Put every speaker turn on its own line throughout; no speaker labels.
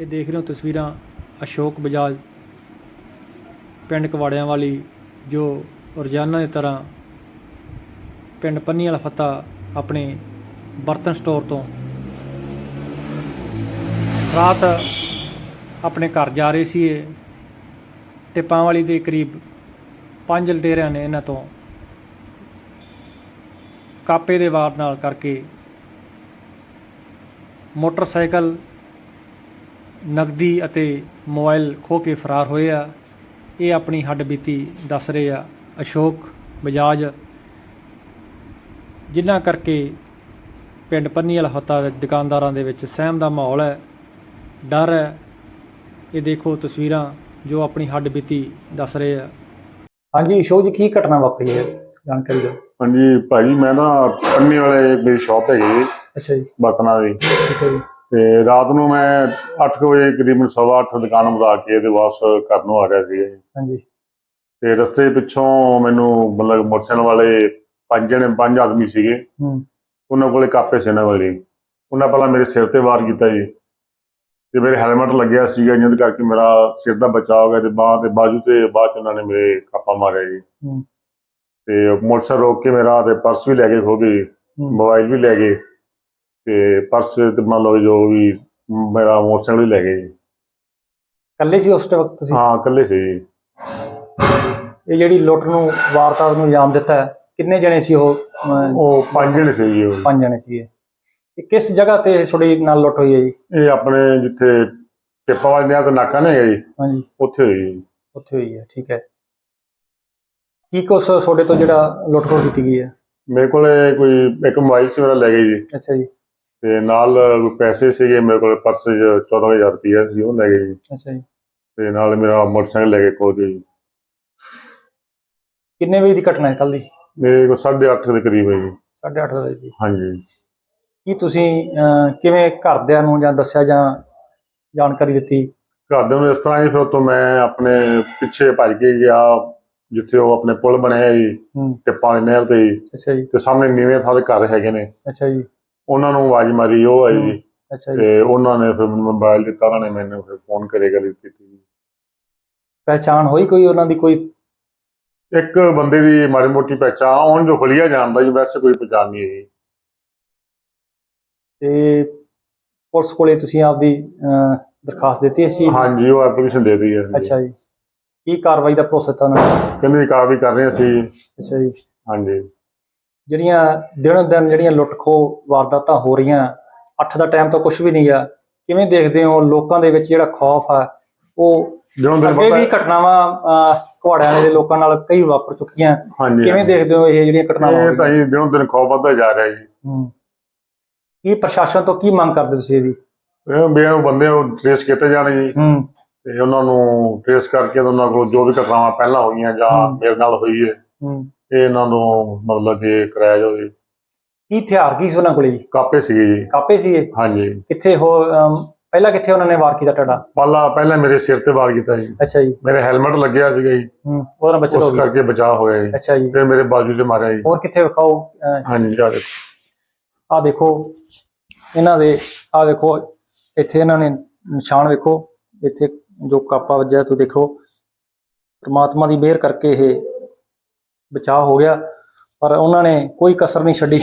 ਇਹ ਦੇਖ ਰਹੇ ਹੋ ਤਸਵੀਰਾਂ ਅਸ਼ੋਕ ਬਜਾਜ ਪਿੰਡ ਕਵਾੜਿਆਂ ਵਾਲੀ ਜੋ ਰੋਜ਼ਾਨਾ ਦੀ ਤਰ੍ਹਾਂ ਪਿੰਡ ਪੰਨੀ ਵਾਲਾ ਫੱਤਾ ਆਪਣੇ ਬਰਤਨ ਸਟੋਰ ਤੋਂ ਰਾਤ ਆਪਣੇ ਘਰ ਜਾ ਰਹੇ ਸੀ। ਇਹ ਟਿੱਪਾਂ ਵਾਲੀ ਦੇ ਕਰੀਬ 5 ਲੁਟੇਰਿਆਂ ਨੇ ਇਹਨਾਂ ਤੋਂ ਕਾਪੇ ਦੇ ਵਾਰ ਨਾਲ ਕਰਕੇ ਮੋਟਰਸਾਈਕਲ ਨਕਦੀ ਅਤੇ ਮੋਬਾਈਲ ਖੋਹ ਕੇ ਫਰਾਰ ਹੋਏ ਆ। ਇਹ ਆਪਣੀ ਹੱਡਬੀਤੀ ਦੱਸ ਰਹੇ ਆ ਅਸ਼ੋਕ ਬਜਾਜ, ਜਿਨ੍ਹਾਂ ਕਰਕੇ ਪਿੰਡ ਪੰਨੀ ਵਾਲਾ ਫੱਤਾ ਦੁਕਾਨਦਾਰਾਂ ਦੇ ਵਿੱਚ ਸਹਿਮ ਦਾ ਮਾਹੌਲ ਹੈ, ਡਰ ਹੈ। ਇਹ ਦੇਖੋ ਤਸਵੀਰਾਂ ਜੋ ਆਪਣੀ ਹੱਡਬੀਤੀ ਦੱਸ ਰਹੇ ਆ। ਹਾਂਜੀ ਅਸ਼ੋਕ ਜੀ, ਕੀ ਘਟਨਾ ਵਾਪਰੀ ਹੈ, ਜਾਣਕਾਰੀ ਦਿਓ।
ਹਾਂਜੀ ਭਾਜੀ, ਮੈਂ ਨਾ ਪੰਨੀ ਵਾਲੇ ਮੇਰੀ ਸ਼ਾਪ ਹੈਗੀ ਜੀ।
ਅੱਛਾ ਜੀ।
ਬਰਤਨਾਂ ਦੀ।
ਠੀਕ ਹੈ ਜੀ।
ਤੇ ਰਾਤ ਨੂੰ ਮੈਂ 8 ਵਜੇ ਕਰੀਬਨ 8:15 ਦੁਕਾਨ ਵਧਾ ਕੇ ਇਹਦੇ ਵਾਪਸ ਘਰ ਨੂੰ ਆ ਰਿਹਾ ਸੀ।
ਹਾਂਜੀ।
ਤੇ ਰਸਤੇ ਪਿੱਛੋਂ ਮੈਨੂੰ ਮਤਲਬ ਮੋਟਰਸਾਈਕਲ ਵਾਲੇ 5 ਆਦਮੀ ਸੀਗੇ। ਉਹਨਾਂ ਕੋਲੇ ਕਾਪੇ ਸੀ ਇਹਨਾਂ ਵਾਲੇ। ਉਹਨਾਂ ਪਹਿਲਾਂ ਮੇਰੇ ਸਿਰ ਤੇ ਵਾਰ ਕੀਤਾ ਜੀ, ਤੇ ਮੇਰੇ ਹੈਲਮਟ ਲੱਗਿਆ ਸੀਗਾ, ਜਿਹਦੇ ਕਰਕੇ ਮੇਰਾ ਸਿਰ ਦਾ ਬਚਾਅ ਹੋ ਗਿਆ, ਤੇ ਬਾਂਹ ਤੇ ਬਾਜੂ ਤੇ ਬਾਅਦ ਚ ਉਹਨਾਂ ਨੇ ਮੇਰੇ ਕਾਪਾ ਮਾਰਿਆ ਜੀ। ਤੇ ਮੋਟਰਸਾਈਕਲ ਰੋਕ ਕੇ ਮੇਰਾ ਤੇ ਪਰਸ ਵੀ ਲੈ ਕੇ ਖੋ ਗਏ, ਮੋਬਾਈਲ ਵੀ ਲੈ ਗਏ, ਤੇ ਪਰਸ ਤੇ ਮੰਨ ਲਓ ਜੋ ਵੀ ਮੇਰਾ ਮੋਟਰਸਾਈਕਲ ਵੀ ਲੈ ਗਏ ਜੀ।
ਇਕੱਲੇ ਸੀ ਉਸ ਵਕਤ ਤੁਸੀਂ? ਹਾਂ,
ਇਕੱਲੇ ਸੀ ਜੀ।
ਇਹ ਜਿਹੜੀ ਲੁੱਟ ਨੂੰ ਵਾਰਦਾਤ ਨੂੰ ਅੰਜਾਮ ਦਿੱਤਾ, ਕਿੰਨੇ ਜਣੇ ਸੀ ਉਹ?
5 ਜਣੇ ਸੀ ਜੀ।
5 ਜਣੇ ਸੀਗੇ। ਇਹ ਕਿਸ ਜਗ੍ਹਾ ਤੇ ਤੁਹਾਡੀ ਨਾਲ ਲੁੱਟ ਹੋਈ ਹੈ ਜੀ?
ਇਹ ਆਪਣੇ ਜਿੱਥੇ ਟਿੱਪਾਂ ਵਾਲੇ ਨਹਿਰ ਤੇ ਨਾਕਾ ਨਹੀਂ ਹੈਗਾ ਜੀ।
ਹਾਂਜੀ,
ਉੱਥੇ ਹੋਈ ਜੀ। ਉੱਥੇ
ਹੋਈ ਹੈ। ਠੀਕ ਹੈ। ਕੀ ਕੁਛ ਤੁਹਾਡੇ ਤੋਂ ਜਿਹੜਾ ਲੁੱਟ ਖੋਹ ਕੀਤੀ ਗਈ ਹੈ?
ਮੇਰੇ ਕੋਲ ਕੋਈ ਇੱਕ ਮੋਬਾਈਲ ਸੀ, ਮੇਰਾ ਲੈ ਗਏ ਜੀ।
ਅੱਛਾ ਜੀ।
ਤੇ ਨਾਲ ਪੈਸੇ ਸੀਗੇ ਮੇਰੇ ਕੋਲ, ਪਰਸ 'ਚ 14,000 ਰੁਪਇਆ ਸੀ, ਉਹ ਲੈ ਗਏ ਜੀ।
ਅੱਛਾ ਜੀ।
ਤੇ ਨਾਲ ਮੇਰਾ ਮੋਟਰਸਾਈਕਲ ਲੈ ਕੇ ਖੋ ਗਏ ਜੀ।
ਕਿੰਨੇ ਵਜੇ ਦੀ ਘਟਨਾ ਹੈ ਕੱਲ ਦੀ?
ਮੇਰੇ ਕੋਲ 8:30 ਦੇ ਕਰੀਬ ਹੈ ਜੀ।
8:30 ਵਜੇ ਦੀ?
ਹਾਂਜੀ।
ਕੀ ਤੁਸੀਂ ਕਿਵੇਂ ਘਰਦਿਆਂ ਨੂੰ ਜਾਂ ਦੱਸਿਆ ਜਾਂ ਜਾਣਕਾਰੀ ਦਿੱਤੀ?
ਘਰਦਿਆਂ ਨੂੰ ਇਸ ਤਰ੍ਹਾਂ ਹੀ, ਫਿਰ ਉੱਥੋਂ ਮੈਂ ਆਪਣੇ ਪਿੱਛੇ ਭੱਜ ਕੇ ਗਿਆ ਜਿੱਥੇ ਉਹ ਆਪਣੇ ਪੁਲ ਬਣਿਆ ਜੀ ਟਿੱਪਾਂ ਵਾਲੀ ਨਹਿਰ ਤੇ ਜੀ।
ਅੱਛਾ ਜੀ।
ਤੇ ਸਾਹਮਣੇ ਨੀਵੇਂ ਥਾਂ ਦੇ ਘਰ ਹੈਗੇ ਨੇ।
ਅੱਛਾ ਜੀ।
ਉਹਨਾਂ ਨੂੰ ਆਵਾਜ਼ ਮਾਰੀ, ਉਹ ਆਈ ਜੀ।
ਅੱਛਾ ਜੀ।
ਤੇ ਉਹਨਾਂ ਨੇ ਫਿਰ ਮੈਨੂੰ ਮੋਬਾਈਲ ਦਿੱਤਾ, ਉਹਨਾਂ ਨੇ ਮੈਨੂੰ ਫਿਰ ਫੋਨ ਕਰੇ ਗੱਲ ਕੀਤੀ।
ਪਹਿਚਾਣ ਹੋਈ ਕੋਈ ਉਹਨਾਂ ਦੀ? ਕੋਈ
ਇੱਕ ਬੰਦੇ ਦੀ ਮਾੜੀ ਮੋਟੀ ਪਹਿਚਾਣ, ਉਹਨ ਜੋ ਹੁਲੀਆ ਜਾਣਦਾ ਜੀ, ਵੈਸੇ ਕੋਈ ਪਹਿਚਾਣ ਨਹੀਂ ਹੈ।
ਤੇ ਪੁਲਿਸ ਕੋਲੇ ਤੁਸੀਂ ਆਪਦੀ ਦਰਖਾਸਤ ਦਿੱਤੀ ਇਸ ਚੀਜ਼?
ਹਾਂਜੀ, ਉਹ ਐਪਲੀਕੇਸ਼ਨ ਦੇ ਦਿੱਤੀ ਹੈ।
ਅੱਛਾ ਜੀ। ਕੀ ਕਾਰਵਾਈ ਦਾ ਭਰੋਸਾ ਦਿੱਤਾ ਉਹਨਾਂ ਨੇ?
ਕਹਿੰਦੇ ਕਾਰਵਾਈ ਕਰ ਰਹੇ ਅਸੀਂ।
ਅੱਛਾ ਜੀ।
ਹਾਂਜੀ।
ਜਿਹੜੀਆਂ ਦਿਨੋਂ ਦਿਨ ਜਿਹੜੀਆਂ ਲੁੱਟ ਖੋਹ ਵਾਰਦਾਤਾਂ ਹੋ ਰਹੀਆਂ, 8 ਦਾ ਟਾਈਮ ਤਾਂ ਕੁਛ ਵੀ ਨਹੀਂ ਗਾ, ਕਿਵੇਂ ਦੇਖਦੇ ਹੋ? ਲੋਕਾਂ ਦੇ ਵਿੱਚ ਜਿਹੜਾ ਖੌਫ ਆ, ਉਹ ਅੱਗੇ ਵੀ ਘਟਨਾਵਾਂ ਕੁਹਾੜਿਆਂ ਦੇ ਲੋਕਾਂ ਨਾਲ ਕਈ ਵਾਪਰ ਚੁੱਕੀਆਂ। ਕਿਵੇਂ ਦੇਖਦੇ ਹੋ ਇਹ ਜਿਹੜੀਆਂ ਘਟਨਾਵਾਂ?
ਇਹ ਤਾਂ ਜੀ ਦਿਨੋਂ ਦਿਨ ਖੌਫ ਵੱਧਦਾ ਜਾ ਰਿਹਾ ਜੀ।
ਕੀ ਪ੍ਰਸ਼ਾਸਨ ਤੋਂ ਕੀ ਮੰਗ ਕਰਦੇ ਤੁਸੀਂ ਇਹਦੀ?
ਇਹ ਬੰਦੇ ਟ੍ਰੇਸ ਕੀਤੇ ਜਾਣ ਜੀ, ਤੇ ਉਹਨਾਂ ਨੂੰ ਟ੍ਰੇਸ ਕਰਕੇ ਉਹਨਾਂ ਕੋਲ ਜੋ ਵੀ ਘਟਨਾਵਾਂ ਪਹਿਲਾਂ ਹੋਈਆਂ ਜਾਂ ਮੇਰੇ ਨਾਲ ਹੋਈ ਹੈ, ਇਹ ਇਹਨਾਂ ਨੂੰ ਮਤਲਬ ਕਿ ਕਰਾਇਆ ਜਾਵੇ।
ਕੀ ਹਥਿਆਰ ਕੀ ਸੀ ਉਹਨਾਂ ਕੋਲ ਜੀ?
ਕਾਪੇ ਸੀਗੇ ਜੀ।
ਕਾਪੇ ਸੀਗੇ? ਹਾਂਜੀ। ਕਿੱਥੇ ਪਹਿਲਾਂ ਕਿੱਥੇ ਉਹਨਾਂ ਨੇ ਵਾਰ ਕੀਤਾ ਤੁਹਾਡਾ?
ਪਹਿਲਾਂ ਮੇਰੇ ਸਿਰ ਤੇ ਵਾਰ ਕੀਤਾ ਜੀ।
ਅੱਛਾ ਜੀ।
ਮੇਰੇ ਹੈਲਮਟ ਲੱਗਿਆ ਸੀਗਾ ਜੀ,
ਉਹਦੇ ਨਾਲ ਬਚਤ ਹੋ ਗਈ,
ਉਸ ਕਰਕੇ ਬਚਾਅ ਹੋਇਆ ਜੀ।
ਅੱਛਾ ਜੀ।
ਫਿਰ ਮੇਰੇ ਬਾਜੂ ਤੇ ਮਾਰਿਆ ਜੀ।
ਹੋਰ ਕਿੱਥੇ ਵਿਖਾਓ?
ਹਾਂਜੀ,
ਆਹ ਦੇਖੋ ਇਹਨਾਂ ਦੇ, ਆਹ ਦੇਖੋ ਇੱਥੇ ਇਹਨਾਂ ਨੇ ਨਿਸ਼ਾਨ ਵੇਖੋ, ਇੱਥੇ ਜੋ ਕਾਪਾ ਵੱਜਿਆ ਤੁਸੀਂ ਦੇਖੋ। ਪ੍ਰਮਾਤਮਾ ਦੀ ਮਿਹਰ ਕਰਕੇ ਇਹ ਬਚਾਅ ਹੋ ਗਿਆ, ਪਰ ਉਹਨਾਂ ਨੇ ਕੋਈ ਕਸਰ ਨਹੀਂ ਛੱਡੀ।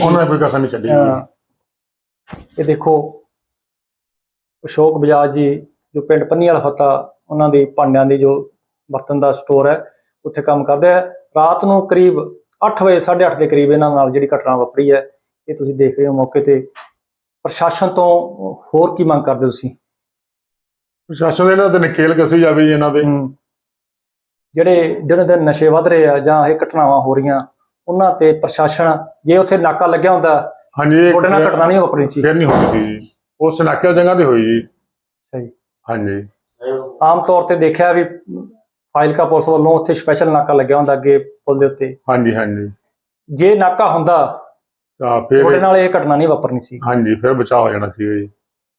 ਇਹ ਦੇਖੋ ਅਸ਼ੋਕ ਬਜਾਜ ਜੀ, ਜੋ ਪਿੰਡ ਪੰਨੀ ਵਾਲਾ ਫੱਤਾ, ਉਹਨਾਂ ਦੀ ਭਾਂਡਿਆਂ ਦੀ ਜੋ ਬਰਤਨ ਦਾ ਸਟੋਰ ਹੈ, ਉੱਥੇ ਕੰਮ ਕਰਦੇ ਆ। ਰਾਤ ਨੂੰ ਕਰੀਬ 8 ਵਜੇ 8:30 ਦੇ ਕਰੀਬ ਇਹਨਾਂ ਨਾਲ ਜਿਹੜੀ ਘਟਨਾ ਵਾਪਰੀ ਹੈ, ਇਹ ਤੁਸੀਂ ਦੇਖ ਰਹੇ ਹੋ ਮੌਕੇ ਤੇ। ਪ੍ਰਸ਼ਾਸਨ ਤੋਂ ਹੋਰ ਕੀ ਮੰਗ ਕਰਦੇ ਤੁਸੀਂ?
ਪ੍ਰਸ਼ਾਸਨ ਦੇ ਇਹਨਾਂ ਤੇ ਨਕੇਲ ਕੱਸੀ ਜਾਵੇ ਜੀ। ਇਹਨਾਂ ਦੇ
ਜਿਹੜੇ ਦਿਨੋਂ ਦਿਨ ਨਸ਼ੇ ਵੱਧ ਰਹੇ ਆ ਜਾਂ ਇਹ ਘਟਨਾਵਾਂ ਹੋ ਰਹੀਆਂ, ਉਹਨਾਂ ਤੇ ਪ੍ਰਸ਼ਾਸਨ, ਜੇ ਉੱਥੇ ਨਾਕਾ ਲੱਗਿਆ ਹੁੰਦਾ,
ਹਾਂਜੀ,
ਤੁਹਾਡੇ ਨਾਲ ਘਟਨਾ ਨਹੀਂ ਵਾਪਰੀ ਸੀ?
ਫਿਰ ਨਹੀਂ ਹੋਣੀ ਸੀ ਜੀ, ਉਸ ਨਾਕੇ ਜਗ੍ਹਾ ਤੇ ਹੋਈ ਜੀ।
ਸਹੀ। ਹਾਂਜੀ।
ਆਮ
ਤੌਰ ਤੇ ਦੇਖਿਆ ਵੀ ਫਾਜ਼ਿਲਕਾ ਪੁਲਿਸ ਵੱਲੋਂ ਉੱਥੇ ਸਪੈਸ਼ਲ ਨਾਕਾ ਲੱਗਿਆ ਹੁੰਦਾ ਅੱਗੇ ਪੁਲ ਦੇ ਉੱਤੇ।
ਹਾਂਜੀ ਹਾਂਜੀ।
ਜੇ ਨਾਕਾ ਹੁੰਦਾ ਤਾਂ ਤੁਹਾਡੇ ਨਾਲ ਇਹ ਘਟਨਾ ਨਹੀਂ ਵਾਪਰਨੀ ਸੀ।
ਹਾਂਜੀ, ਫਿਰ ਬਚਾਅ ਹੋ ਜਾਣਾ ਸੀ ਜੀ।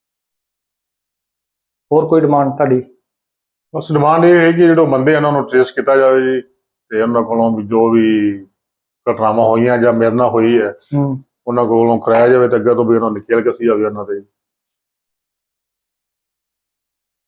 ਹੋਰ ਕੋਈ ਡਿਮਾਂਡ ਤੁਹਾਡੀ?
ਬਸ ਡਿਮਾਂਡ ਇਹ ਹੈ ਕਿ ਜਿਹੜੇ ਬੰਦੇ ਉਹਨਾਂ ਨੂੰ ਟ੍ਰੇਸ ਕੀਤਾ ਜਾਵੇ ਜੀ, ਤੇ ਉਹਨਾਂ ਕੋਲੋਂ ਵੀ ਜੋ ਵੀ ਘਟਨਾਵਾਂ ਹੋਈਆਂ ਜਾਂ ਮੇਰੇ ਨਾਲ ਹੋਈ ਹੈ, ਉਹਨਾਂ ਕੋਲੋਂ ਕਰਾਇਆ ਜਾਵੇ, ਤੇ ਅੱਗੇ ਤੋਂ ਵੀ ਉਹਨਾਂ ਨੂੰ ਨਕੇਲ ਕੱਸੀ ਜਾਵੇ ਉਹਨਾਂ ਤੇ।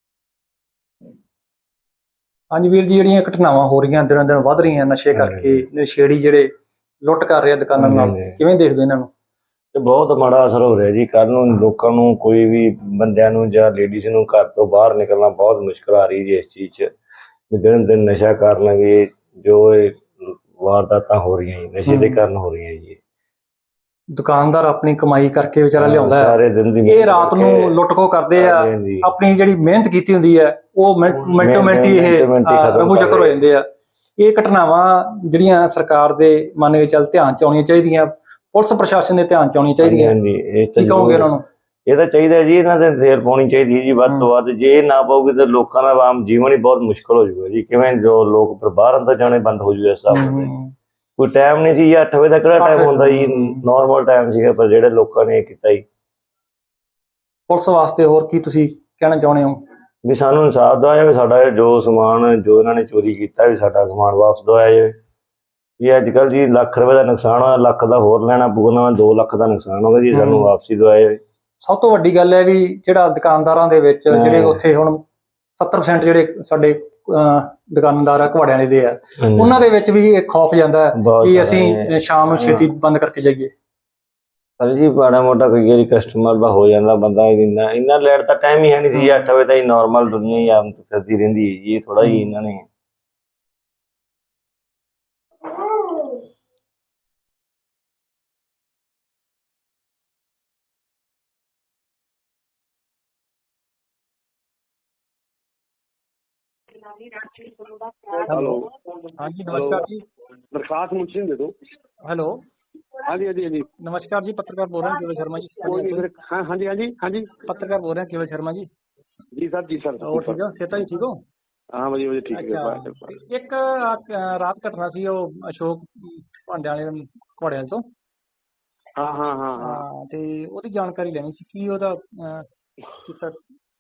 ਹਾਂਜੀ ਵੀਰ ਜੀ, ਜਿਹੜੀਆਂ ਘਟਨਾਵਾਂ ਹੋ ਰਹੀਆਂ ਦਿਨੋਂ ਦਿਨ ਵੱਧ ਰਹੀਆਂ ਨਸ਼ੇ ਕਰਕੇ, ਨਸ਼ੇੜੀ ਜਿਹੜੇ ਲੁੱਟ ਕਰ ਰਹੇ ਆ ਦੁਕਾਨਾਂ ਨਾਲ, ਕਿਵੇਂ ਦੇਖਦੇ ਹੋ ਇਹਨਾਂ ਨੂੰ?
ਤੇ ਬਹੁਤ ਮਾੜਾ ਅਸਰ ਹੋ ਰਿਹਾ ਜੀ। ਕੱਲ ਨੂੰ ਲੋਕਾਂ ਨੂੰ, ਕੋਈ ਵੀ ਬੰਦਿਆਂ ਨੂੰ ਜਾਂ ਲੇਡੀਜ਼ ਨੂੰ ਘਰ ਤੋਂ ਬਾਹਰ ਨਿਕਲਣਾ ਬਹੁਤ ਮੁਸ਼ਕਲ ਆ ਰਹੀ ਜੀ ਇਸ ਚੀਜ਼ 'ਚ। ਵੀ ਦਿਨ ਦਿਨ ਨਸ਼ਾ ਕਰ ਲਾਂਗੇ, ਜੋ ਇਹ ਵਾਰਦਾਤਾਂ ਹੋ ਰਹੀਆਂ ਜੀ ਨਸ਼ੇ ਦੇ ਕਾਰਨ ਹੋ ਰਹੀਆਂ ਜੀ।
ਦੁਕਾਨਦਾਰ ਆਪਣੀ ਕਮਾਈ ਕਰਕੇ ਵਿਚਾਰਾ ਲਿਆਉਂਦਾ ਹੈ,
ਸਾਰੇ ਦਿਨ ਦੀ
ਇਹ ਰਾਤ ਨੂੰ ਲੁੱਟ-ਖੋਹ ਕਰਦੇ ਆ। ਆਪਣੀ ਜਿਹੜੀ ਮਿਹਨਤ ਕੀਤੀ ਹੁੰਦੀ ਹੈ ਉਹ ਮਿੰਟੋ ਮਿੰਟੀ ਇਹ ਰਫੂ ਚੱਕਰ ਹੋ ਜਾਂਦੇ ਆ। ਇਹ ਘਟਨਾਵਾਂ ਜਿਹੜੀਆਂ ਸਰਕਾਰ ਦੇ ਮੰਨ ਕੇ ਚੱਲ ਧਿਆਨ 'ਚ ਆਉਣੀਆਂ ਚਾਹੀਦੀਆਂ, ਪੁਲਿਸ ਪ੍ਰਸ਼ਾਸਨ ਦੇ ਧਿਆਨ 'ਚ ਆਉਣੀਆਂ ਚਾਹੀਦੀਆਂ। ਕੀ ਕਹੋਗੇ ਉਹਨਾਂ ਨੂੰ?
ਇਹ ਤਾਂ ਚਾਹੀਦਾ ਜੀ, ਇਹਨਾਂ ਤੇ ਰੇਲ ਪਾਉਣੀ ਚਾਹੀਦੀ ਜੀ ਵੱਧ ਤੋਂ ਵੱਧ। ਜੇ ਇਹ ਨਾ ਪਾਉਗੀ ਤਾਂ ਲੋਕਾਂ ਦਾ ਆਮ ਜੀਵਨ ਹੀ ਬਹੁਤ ਮੁਸ਼ਕਲ ਹੋ ਜਾਊਗਾ ਜੀ। ਕਿਵੇਂ ਜੋ ਲੋਕ ਫਿਰ ਬਾਹਰ ਅੰਦਰ ਜਾਣੇ ਬੰਦ ਹੋ ਜੂਗਾ। ਇਸ ਹਿਸਾਬ ਨਾਲ ਕੋਈ ਟਾਈਮ ਨਹੀਂ ਸੀ, 8 ਵਜੇ ਦਾ ਕਿਹੜਾ ਟਾਈਮ ਹੁੰਦਾ ਜੀ, ਨੋਰਮਲ ਟਾਈਮ ਸੀਗਾ। ਪਰ ਜਿਹੜੇ ਲੋਕਾਂ ਨੇ ਇਹ ਕੀਤਾ ਜੀ।
ਪੁਲਿਸ ਵਾਸਤੇ ਹੋਰ ਕੀ ਤੁਸੀਂ ਕਹਿਣਾ ਚਾਹੁੰਦੇ ਹੋ?
ਵੀ ਸਾਨੂੰ ਇਨਸਾਫ ਦਵਾਇਆ ਜਾਵੇ, ਸਾਡਾ ਜੋ ਸਮਾਨ ਜੋ ਇਹਨਾਂ ਨੇ ਚੋਰੀ ਕੀਤਾ ਵੀ ਸਾਡਾ ਸਮਾਨ ਵਾਪਸ ਦਵਾਇਆ ਜਾਵੇ। ਵੀ ਅੱਜ ਕੱਲ੍ਹ ਜੀ ਲੱਖ ਰੁਪਏ ਦਾ ਨੁਕਸਾਨ ਹੋਇਆ, ਲੱਖ ਦਾ ਹੋਰ ਲੈਣਾ ਪਊਗਾ, 2 ਲੱਖ ਦਾ ਨੁਕਸਾਨ ਹੋ ਗਿਆ ਜੀ, ਸਾਨੂੰ ਵਾਪਸੀ ਦਵਾਇਆ ਜਾਵੇ।
ਸਭ ਤੋਂ ਵੱਡੀ ਗੱਲ ਹੈ ਵੀ ਜਿਹੜਾ ਦੁਕਾਨਦਾਰਾਂ ਦੇ ਵਿੱਚ ਜਿਹੜੇ ਉੱਥੇ ਹੁਣ 70% ਜਿਹੜੇ ਸਾਡੇ ਦੁਕਾਨਦਾਰ ਆ ਘਵਾੜਿਆਂ ਦੇ ਆ, ਉਹਨਾਂ ਦੇ ਵਿੱਚ ਵੀ ਇੱਕ ਖੌਫ ਜਾਂਦਾ ਕਿ ਅਸੀਂ ਸ਼ਾਮ ਨੂੰ ਛੇਤੀ ਬੰਦ ਕਰਕੇ ਜਾਈਏ।
ਪਰ ਜੀ ਮਾੜਾ ਮੋਟਾ ਕੋਈ ਵਾਰੀ ਕਸਟਮਰ ਦਾ ਹੋ ਜਾਂਦਾ ਬੰਦਾ, ਇੰਨਾ ਲੈਟ ਦਾ ਟਾਈਮ ਹੀ ਹੈ ਨਹੀਂ ਸੀ। 8 ਵਜੇ ਤਾਂ ਹੀ ਨੋਰਮਲ ਦੁਨੀਆ ਹੀ ਆਮ ਕਰਦੀ ਰਹਿੰਦੀ ਹੈ ਜੀ। ਇਹ ਥੋੜਾ ਹੀ ਇਹਨਾਂ ਨੇ
हेलो,
हाँ जी नमस्कार जी।
दरखास्त मुंशी दे दो।
हेलो,
हाँ जी, हाँ जी, हाँ जी।
नमस्कार जी, पत्रकार बोल रहे हैं केवल शर्मा जी।
कोई नहीं फिर। हाँ हाँ जी, हाँ जी, हाँ जी।
पत्रकार बोल रहे हैं केवल शर्मा जी।
जी सर, जी सर।
और ठीक हो? सेता जी ठीक हो?
हाँ भाजी, भाजी ठीक है।
ਅੱਛਾ, ਇੱਕ ਰਾਤ ਘਟਨਾ ਸੀ ਉਹ ਅਸ਼ੋਕ ਭਾਂਡਿਆਂ ਵਾਲੇ ਘੋੜਿਆਂ ਤੋਂ।
हाँ हाँ हाँ हाँ।
ਹਾਂ, ਤੇ ਉਹਦੀ ਜਾਣਕਾਰੀ ਲੈਣੀ ਸੀ ਕੀ ਉਹਦਾ ਕੀਤਾ।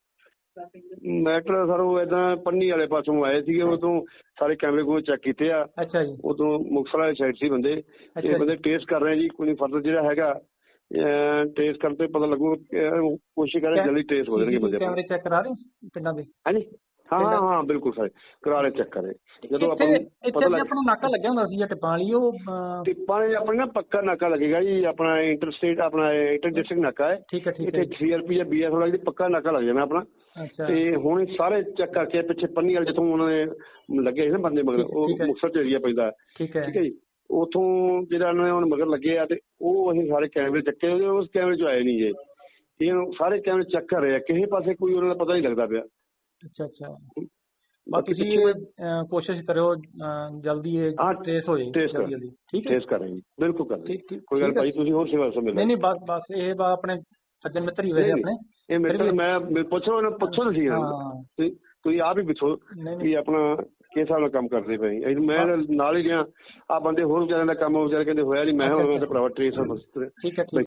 ਮੈਟਰ ਸਰ ਉਹ ਏਦਾਂ ਪੰਨੀ ਵਾਲੇ ਪਾਸੋਂ ਆਏ ਸੀਗੇ, ਉਦੋਂ ਸਾਰੇ ਕੈਮਰੇ ਕੋਲ ਚੈੱਕ ਕੀਤੇ ਆ।
ਅੱਛਾ ਜੀ।
ਉਦੋਂ ਮੁਕਤਸਰ ਵਾਲੀ ਸਾਈਡ ਸੀ ਬੰਦੇ, ਤੇ ਬੰਦੇ ਟੇਸਟ ਕਰ ਰਹੇ ਜੀ। ਕੋਈ ਫਰਦਰ ਜਿਹੜਾ ਹੈਗਾ ਟੇਸਟ ਕਰਨ ਤੇ ਪਤਾ ਲੱਗੂ, ਕੋਸ਼ਿਸ਼ ਕਰੇ ਜਲਦੀ ਟੇਸਟ ਹੋ ਜਾਣਗੇ ਬੰਦੇ।
ਕੈਮਰੇ ਚੈੱਕ ਕਰਾ ਰਹੇ ਪਿੰਡਾਂ ਦੇ?
ਹਾਂਜੀ ਹਾਂ ਹਾਂ ਹਾਂ ਬਿਲਕੁਲ ਸਰ, ਕਰਾ ਰਹੇ ਚੈੱਕ ਕਰੇ। ਜਦੋਂ ਆਪਾਂ ਨੂੰ ਪਤਾ ਲੱਗ
ਆਪਣਾ ਨਾਕਾ ਲੱਗਿਆ ਹੁੰਦਾ ਸੀ ਟਿੱਪਾਂ ਵਾਲੀ, ਉਹ
ਟਿੱਪਾਂ ਨੇ ਆਪਣਾ ਨਾ ਪੱਕਾ ਨਾਕਾ ਲੱਗੇਗਾ ਜੀ। ਆਪਣਾ ਇੰਟਰ ਸਟੇਟ, ਆਪਣਾ ਇੰਟਰ ਡਿਸਟ੍ਰਿਕਟ ਨਾਕਾ ਹੈ।
ਠੀਕ ਹੈ ਠੀਕ ਹੈ।
ਇੱਥੇ CRP ਜਾਂ BS ਵਾਲਾ ਪੱਕਾ ਨਾਕਾ ਲੱਗ ਜਾਣਾ ਆਪਣਾ। ਤੇ ਹੁਣ ਸਾਰੇ ਚੈੱਕ ਕਰਕੇ ਪਿੱਛੇ ਪੰਨੀ ਵਾਲੇ ਜਿੱਥੋਂ ਉਹਨਾਂ ਨੇ ਲੱਗੇ ਸੀ ਨਾ ਬੰਦੇ ਮਗਰ, ਉਹ ਮੁਕਤਸਰ ਚ ਏਰੀਆ ਪੈਂਦਾ।
ਠੀਕ ਹੈ
ਜੀ। ਉੱਥੋਂ ਜਿਹੜਾ ਉਹਨਾਂ ਨੇ ਹੁਣ ਮਗਰ ਲੱਗੇ ਆ, ਤੇ ਉਹ ਅਸੀਂ ਸਾਰੇ ਕੈਮਰੇ ਚੱਕੇ, ਉਸ ਕੈਮਰੇ ਚ ਆਏ ਨਹੀਂ ਜੇ। ਇਹ ਸਾਰੇ ਕੈਮਰੇ ਚੈੱਕ ਕਰ ਰਹੇ ਆ, ਕਿਸੇ ਪਾਸੇ ਕੋਈ ਉਹਨਾਂ ਦਾ ਪਤਾ ਨਹੀਂ ਲੱਗਦਾ ਪਿਆ।
ਅੱਛਾ ਅੱਛਾ। ਬਾਕੀ ਤੁਸੀਂ ਕੋਸ਼ਿਸ਼ ਕਰਿਓ ਜਲਦੀ ਇਹ ਟ੍ਰੇਸ ਹੋ ਜਾਏ। ਜਲਦੀ ਠੀਕ ਹੈ,
ਟ੍ਰੇਸ ਕਰ ਰਹੇ ਜੀ, ਬਿਲਕੁਲ ਕਰ ਰਹੇ। ਕੋਈ ਗੱਲ ਭਾਈ, ਤੁਸੀਂ ਹੋਰ ਸੇਵਾ ਸਮਝ ਲਓ।
ਨਹੀਂ ਬਸ ਬਸ ਇਹ ਆਪਣੇ ਸੱਜਣ ਮਿੱਤਰ ਹੀ ਵੈਸੇ ਆਪਣੇ।
ਇਹ ਮਿੱਤਰ ਮੈਂ ਪੁੱਛੋ ਤੁਸੀਂ ਤੁਸੀਂ ਆਪ ਹੀ ਪੁੱਛੋ ਵੀ ਆਪਣਾ ਕਿਸ ਹਿਸਾਬ ਨਾਲ ਕੰਮ ਕਰਦੇ ਪਏ। ਮੈਂ ਨਾਲ ਹੀ ਗਿਆ, ਆ ਬੰਦੇ ਹੋਰ ਵਿਚਾਰਿਆਂ ਦਾ ਕੰਮ ਵਿਚਾਰੇ ਕਹਿੰਦੇ ਹੋਇਆ ਨਹੀਂ। ਮੈਂ ਭਰਾਵਾ ਟ੍ਰੇਸ।
ਠੀਕ ਹੈ।